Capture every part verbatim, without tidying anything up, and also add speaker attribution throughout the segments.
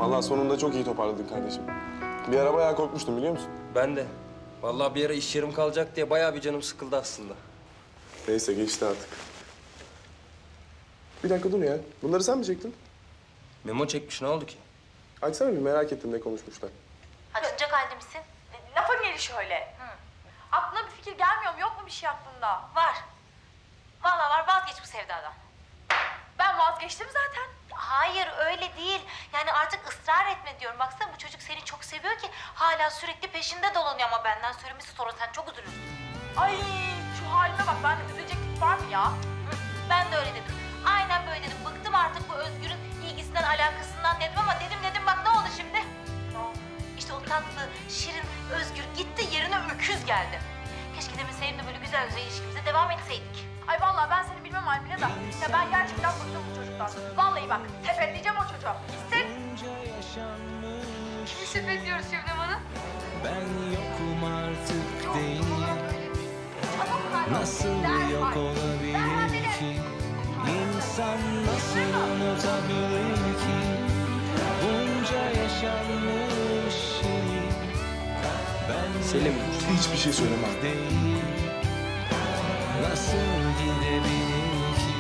Speaker 1: Vallahi sonunda çok iyi toparladın kardeşim. Bir ara bayağı korkmuştum biliyor musun?
Speaker 2: Ben de. Vallahi bir ara iş yerim kalacak diye bayağı bir canım sıkıldı aslında.
Speaker 1: Neyse geçti artık. Bir dakika dur ya. Bunları sen mi çektin?
Speaker 2: Memo çekmiş, ne oldu ki?
Speaker 1: Açsana bir, merak ettim ne konuşmuşlar.
Speaker 3: Açınacak halde misin?
Speaker 4: Lafa gelişi öyle. Hı. Aklına bir fikir gelmiyor mu? Yok mu bir şey aklında?
Speaker 3: Var. Vallahi var, vazgeç bu sevdadan.
Speaker 4: Ben vazgeçtim zaten.
Speaker 3: Hayır öyle değil. Yani artık ısrar etme diyorum. Baksana bu çocuk seni çok seviyor ki hala sürekli peşinde dolanıyor ama benden söylemesi sonra sen çok üzülürsün.
Speaker 4: Ay şu haline bak, ben de üzülecek tip var mı ya?
Speaker 3: Hı, ben de öyle dedim. Aynen böyle dedim. Bıktım artık bu Özgür'ün ilgisinden, alakasından dedim ama dedim dedim bak ne oldu şimdi?
Speaker 4: Ne oldu?
Speaker 3: İşte o tatlı, şirin Özgür gitti, yerine öküz geldi. Keşke demeseydim de böyle güzel güzel ilişkimize devam etseydik.
Speaker 4: Ay vallahi ben seni bilmem Almine da. Ya ben gerçekten bıktım bu çocuktan. Vallahi bak, tepeleyeceğim o çocuğu. Gitsin. Kimi sepetliyoruz Şebnem Hanım?
Speaker 5: Ben yokum artık değil. Nasıl
Speaker 4: Derhal.
Speaker 5: yok olabilir ki? İnsan nasıl unutabilir ki? Bunca yaşanmış şey. Ben
Speaker 2: Selim.
Speaker 1: Hiçbir şey söyleme abi.
Speaker 5: değil. Nasıl gidebilir ki?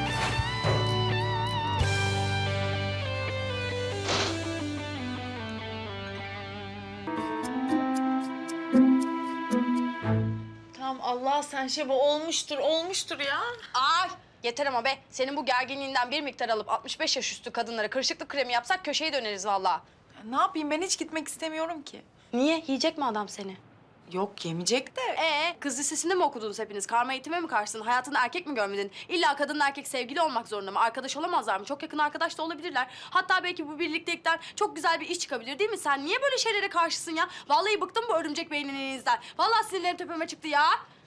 Speaker 4: Tamam Allah sen şey bu olmuştur, olmuştur ya.
Speaker 6: Ay yeter ama be. Senin bu gerginliğinden bir miktar alıp altmış beş yaş üstü kadınlara kırışıklık kremi yapsak köşeyi döneriz vallahi.
Speaker 7: Ne yapayım, ben hiç gitmek istemiyorum ki.
Speaker 6: Niye? Yiyecek mi adam seni?
Speaker 7: Yok, yemeyecek de.
Speaker 6: Ee, kız lisesinde mi okudunuz hepiniz? Karma eğitime mi karşısın? Hayatında erkek mi görmedin? İlla kadınla erkek sevgili olmak zorunda mı? Arkadaş olamazlar mı? Çok yakın arkadaş da olabilirler. Hatta belki bu birliktelikten çok güzel bir iş çıkabilir değil mi? Sen niye böyle şeylere karşısın ya? Vallahi bıktım bu örümcek beyninizden. Vallahi sinirlerim tepeme çıktı ya.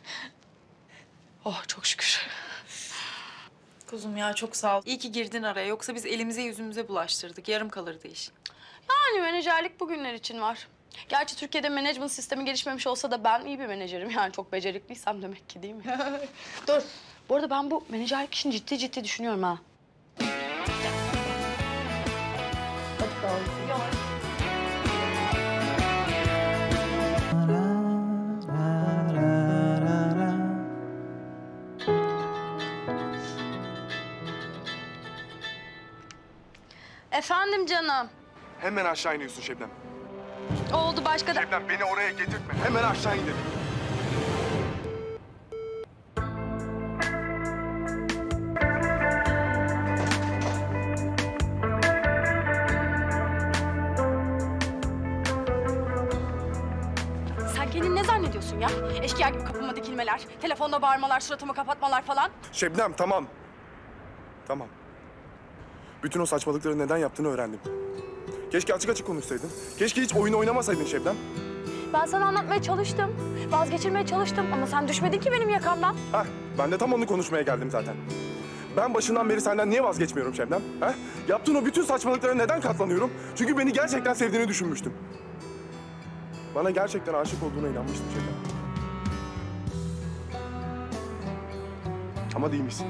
Speaker 6: Oh çok şükür.
Speaker 7: Kuzum ya, çok sağ ol. İyi ki girdin araya, yoksa biz elimize yüzümüze bulaştırdık. Yarım kalırdı iş.
Speaker 6: Yani menajerlik bugünler için var. Gerçi Türkiye'de management sistemi gelişmemiş olsa da ben iyi bir menajerim. Yani çok becerikliysem demek ki değil mi? Dur. Bu arada ben bu menajerlik işini ciddi ciddi düşünüyorum ha. Hadi bakalım. Efendim canım.
Speaker 1: Hemen aşağı iniyorsun Şebnem.
Speaker 6: Oldu başka da...
Speaker 1: Şebnem beni oraya getirtme. Hemen aşağı inelim.
Speaker 6: Sen kendini ne zannediyorsun ya? Eşkıya gibi kapıma dikilmeler, telefonda bağırmalar, suratımı kapatmalar falan.
Speaker 1: Şebnem tamam. Tamam. Bütün o saçmalıkları neden yaptığını öğrendim. Keşke açık açık konuşsaydın. Keşke hiç oyun oynamasaydın Şebnem.
Speaker 6: Ben sana anlatmaya çalıştım, vazgeçirmeye çalıştım ama sen düşmedin ki benim yakamdan.
Speaker 1: Hah, ben de tam onu konuşmaya geldim zaten. Ben başından beri senden niye vazgeçmiyorum Şebnem? Ha? Yaptığın o bütün saçmalıklara neden katlanıyorum? Çünkü beni gerçekten sevdiğini düşünmüştüm. Bana gerçekten aşık olduğuna inanmıştım Şebnem. Ama değilmişsin.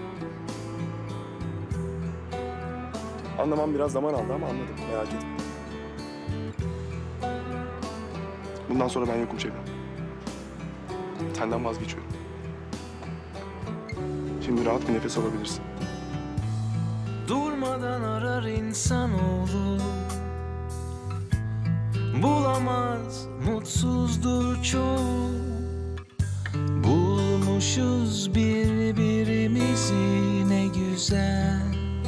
Speaker 1: Anlamam biraz zaman aldı ama anladım. Merak etme. Bundan sonra ben yokum Şebnem. Senden vazgeçiyorum. Şimdi rahat bir nefes alabilirsin.
Speaker 5: Durmadan arar insanoğlu, bulamaz, mutsuzdur çoğu. Bulmuşuz birbirimizi ne güzel.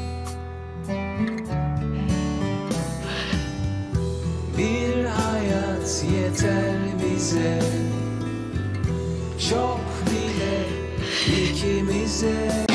Speaker 5: Bir hayat yeter bize, çok bile ikimize.